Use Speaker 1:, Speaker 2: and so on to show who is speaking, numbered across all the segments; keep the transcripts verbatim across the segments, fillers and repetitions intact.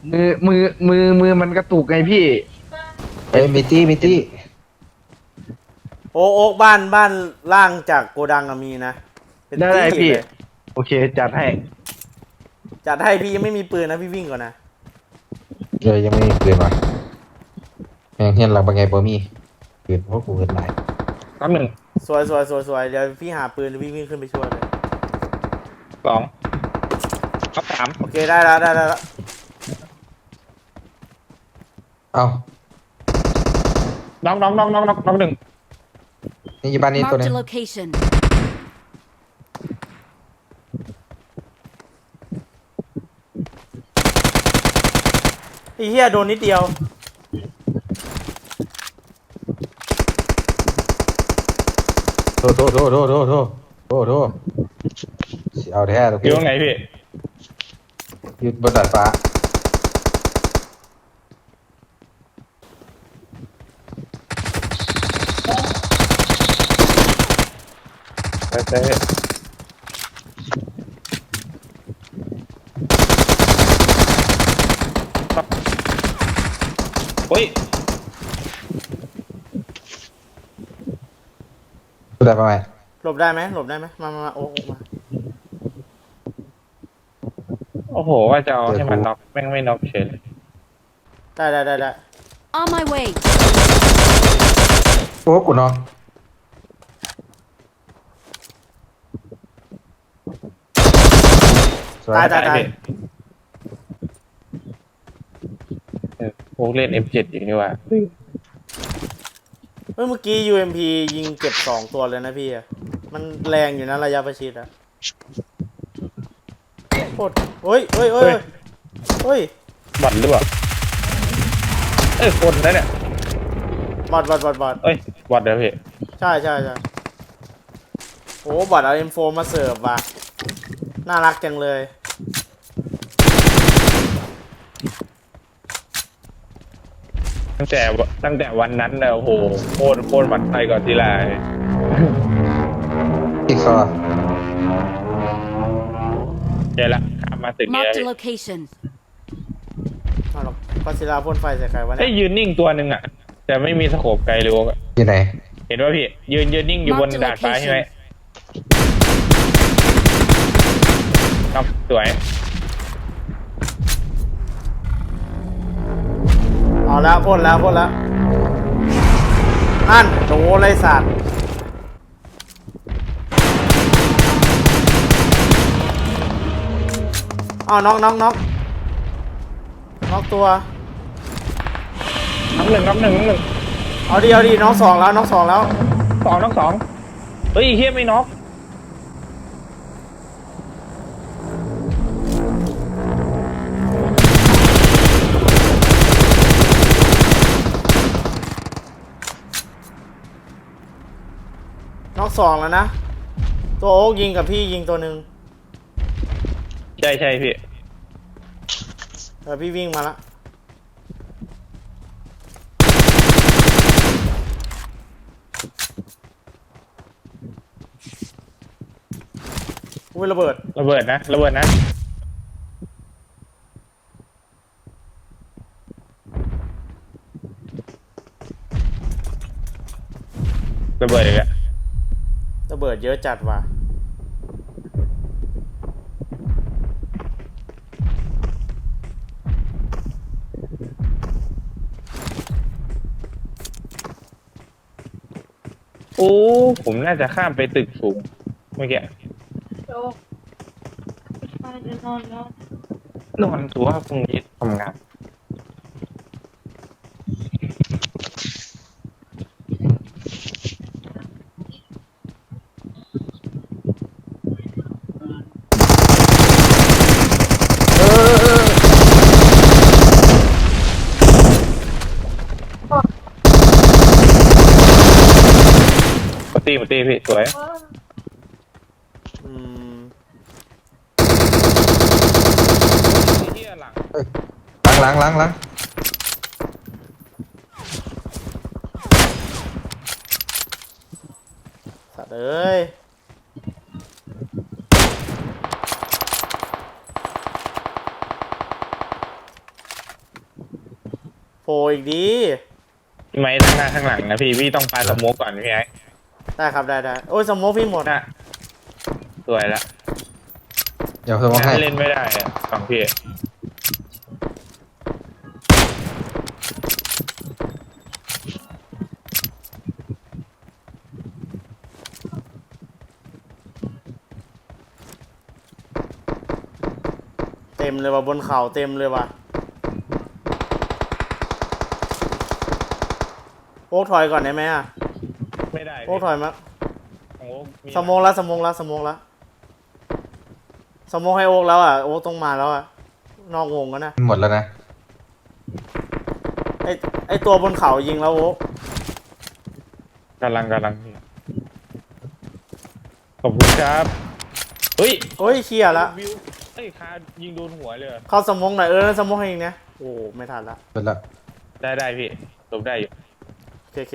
Speaker 1: มือมือมือมือมันกระตุกไงพี่
Speaker 2: เฮ้ยมิตี้มิตี้
Speaker 3: โอ๊กโอ๊กบ้านบ้านล่างจากโกดังอะมีนะเป็น
Speaker 1: ได้ได้
Speaker 3: ตี้
Speaker 1: พี่
Speaker 3: เลย
Speaker 1: โอเคจัดให้
Speaker 3: จัดให้พี่ยังไม่มีปืนนะพี่วิ่งก่อนนะ
Speaker 2: เออยังไม่มีปืนว่ะแม่งเฮียนหลังเป็นไงบ่มีปืนเพราะกูเกินหลาย
Speaker 1: แป๊บหนึ่ง
Speaker 3: สวยสวยสวยสวยเดี๋ยวพี่หาปืนวิ่งวิ่งขึ้นไปช่วยเลย
Speaker 1: สองครับสาม
Speaker 3: โอเคได้แล้วได้แล้ว
Speaker 2: เอ้า
Speaker 1: น้องน้องน้องน้องน้องน้องหนึ่ง
Speaker 2: นี่อยู่บ้านนี้ตัว
Speaker 4: Marked
Speaker 2: นึ
Speaker 4: a
Speaker 2: ง
Speaker 4: location.
Speaker 3: ไอ้เหี้ยโดนนิดเดียว
Speaker 2: โทษโทษโทษโทษโทษโทษโทษโทษสิเอาแท้โอเค
Speaker 1: อยู่ตรงไหนพี่
Speaker 2: อยู่บนดาดฟ้า
Speaker 1: ไปไปโอ้ย
Speaker 2: บนดาดฟ้าไหม
Speaker 3: หลบได้ไหมหลบได้ไหมมามามาโอ๊กโอ๊กมา
Speaker 1: โอ้โหว่าจะเอาให้มันน็อกแม่งไม่น็อกเฉยเลย
Speaker 3: ได้ได้ได้ได้
Speaker 4: On my way.
Speaker 2: โอ้กูเนาะสวย
Speaker 3: ตายตายตาย
Speaker 1: พี่เออพวกเล่น เอ็ม เจ็ด อย่างนี้ว่า
Speaker 3: เฮ้ยเมื่อกี้ ยู เอ็ม พี ยิงเก็บสองตัวเลยนะพี่อะมันแรงอยู่นะระยะประชิดอะโคตรเฮ้ยเฮ้ยเฮ้ยเฮ้ย
Speaker 1: บอดหรือเปล่าเอ้ยคนนะเนี่ย
Speaker 3: บอดบอดบอดบอด
Speaker 1: เอ้ยบอดเดี๋ยวพี่
Speaker 3: ใช่ใช่ใช่โอ้บอดเอาเอ็มโฟมาเสิร์ฟว่ะน่ารักจังเลย
Speaker 1: ตั้งแต่ตั้งแต่วันนั้นเลยโอ้โหโคตรโคตรหวั่นไส้ก่อนทีไร
Speaker 2: อีกซอ
Speaker 1: เดี๋ยวละข้ามมาตึกนี้แล้ว
Speaker 4: Marked a
Speaker 1: พี่
Speaker 4: location.
Speaker 3: เอาหรอกก็ศิลาพ่นไฟใส่ใครวะ
Speaker 1: เอ้
Speaker 3: เนี่ย ย
Speaker 1: ยืนนิ่งตัวหนึ่งอ่ะแต่ไม่มีสโคปไกลเลยโว้ย
Speaker 2: อยู่ไหน
Speaker 1: เห็นว่าพี่ยืนยืนนิ่งอยู่บน
Speaker 4: Mark the
Speaker 1: ดาดฟ้า
Speaker 4: location
Speaker 1: ใช่ไหมครับสวย
Speaker 3: เอาแล้วพ่นแล้วพ่นแล้วนั่นโดนเลยสัตว์อ้าวน็อกน็อกน็อกน็อกตัว
Speaker 1: น้องหนึ่งน้องหนึ่งน้องหนึ่ง
Speaker 3: เอาดีเอาดีน็อกสองแล้วน็อกสองแล้ว
Speaker 1: สองน้องสองเฮ้ยเฮียไม่น็อก
Speaker 3: น็อกสองแล้วนะ ตัวโอ๊กยิงกับพี่ยิงตัวหนึ่ง
Speaker 1: ใช่ใช่พี่
Speaker 3: เออพี่วิ่งมาละอุ้ยระเบิด
Speaker 1: ระเบิดนะระเบิดนะระเบิดอีกแล้ว
Speaker 3: ระเบิดเยอะจัดว่ะ
Speaker 1: โอ้ผมน่าจะข้ามไปตึกสูงเมื่อกี้
Speaker 5: โจ๊กไปจะนอนแล้ว
Speaker 1: นอนตัวพรุ่งนี้ทำงาน
Speaker 2: เออเออ
Speaker 1: มาตีมาตีพี่สวย
Speaker 3: อืม
Speaker 1: เฮียหลัง
Speaker 2: หลังหลังหลังหลัง
Speaker 3: สัตว์เอ้ยโผล่อีกดี
Speaker 1: พี่ไม้ทั้งหน้าทั้งหลังนะพี่พี่ต้องปาสโมกก่อนพี่ไอ้
Speaker 3: ได้ครับได้ได้โอ้ยสโมกพี่หมด
Speaker 1: น่ะสวยละ
Speaker 2: เดี๋ยวเพิ่มมาให้
Speaker 1: เล่นไม่ได้อะฝั่งพี่
Speaker 3: เต็มเลยว่ะบนเขาเต็มเลยว่ะโอ๊กถอยก่อนได้ไหมอ่ะ
Speaker 1: ไม่ได้
Speaker 3: โอ๊กถอยมา
Speaker 1: ของโอ๊คมี
Speaker 3: สโมองแล้วสโมองแล้วสโมองแล้วสโมองให้โอ๊กแล้วอ่ะโอ๊กต้องมาแล้วอ่ะนอกวงกันนะ
Speaker 2: หมดแล้วนะ
Speaker 3: ไอไอตัวบนเขายิงแล้วโอ๊ก
Speaker 1: กำลังกำลังพี่ขอบคุณครับเฮ้ย
Speaker 3: เฮ้ยเคลียร์ละ
Speaker 1: วิวเอ้ยคายิงโดนหัวเลยเหรอ
Speaker 3: เข้าสโมองหน่อยเออสโมองให้ยิงนะโอ้ไม่ทันละ
Speaker 2: หมดแล้ว
Speaker 1: ได้ได้พี่หลบได้อยู่
Speaker 3: โอเคโอเค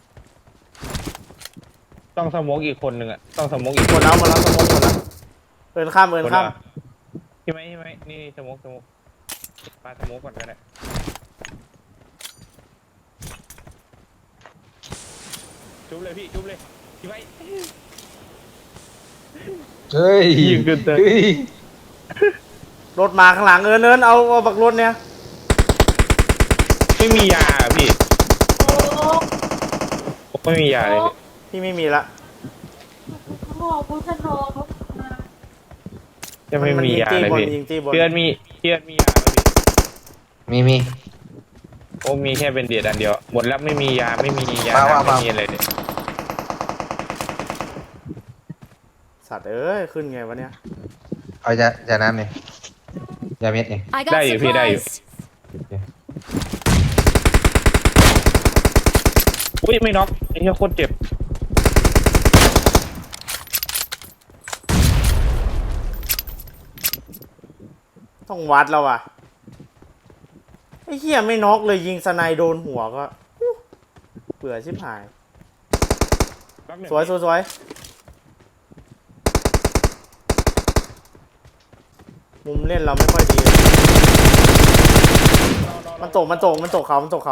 Speaker 1: ต้องสโมกอีกคนหนึ่งอะต้องสโมกอีก
Speaker 3: หมดแล้วหมดแล้วสโมองหมดแล้วเอินข้ามเอินข้าม
Speaker 1: พี่ไหมพี่ไหมนี่นี่สโมกสโมกปาสโมกก่อนก็ได้จุ๊บเลยพี่จุ๊บเลยพี่ไหม
Speaker 2: เฮ้ย
Speaker 1: ยิงกันเถอะ
Speaker 2: เฮ้ย
Speaker 3: รถมาข้างหลังเอินเอินเอาเอาบักรถเนี่ย
Speaker 1: ไม่มียาอะพี่
Speaker 5: โอ้
Speaker 1: ผมไม่มียาเลยพี่
Speaker 3: พี่ไม่มีละ
Speaker 5: โหพุทธโนเขามา
Speaker 1: ยังไม่มียาเลย
Speaker 3: บน
Speaker 1: พี่
Speaker 3: ยิงตีบน
Speaker 1: เพื่อนมีเพื่อนมียาไหมพี่
Speaker 2: มีมี
Speaker 1: โอ้มีแค่เป็นเดียดอันเดียวหมดแล้วไม่มียาไม่มียา
Speaker 2: มา
Speaker 1: น้ำ
Speaker 2: มา
Speaker 1: ไม่มีอะไรเลย
Speaker 3: สัตว์เอ้ยขึ้นไงวะเนี่ย
Speaker 2: เอาจะจะน้ำเนี่ยยาเม็ดเนี่ย
Speaker 4: I got
Speaker 1: ได้อยู่พี่ได้อยู่
Speaker 4: supplies.
Speaker 1: อุ้ยไม่น็อกไอ้เหี้ยโคตรเจ็บ
Speaker 3: ต้องวัดแล้วว่ะไอ้เหี้ยไม่น็อกเลยยิงสไนโดนหัวก็อู้เบื่อชิบหาย
Speaker 1: น็อกหนึ่ง
Speaker 3: สวยสวยสวยมุมเล่นเราไม่ค่อยดี มันตกมันตกมันตกเขามันตกเขา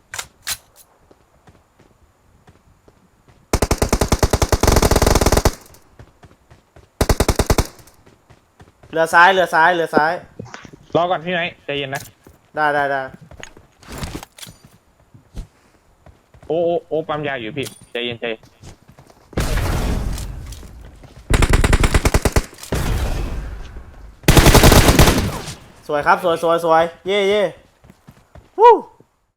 Speaker 3: เรือซ้ายเรือซ้ายเรือซ้าย
Speaker 1: รอก่อนพี่ไหมใจเย็นนะ
Speaker 3: ได้ได้ได้
Speaker 1: โอ้โอ้โอ้ปั๊มยาอยู่พี่ใจเย็นใจเย็น
Speaker 3: สวยครับสวยสวยสวยเย่เย่วู้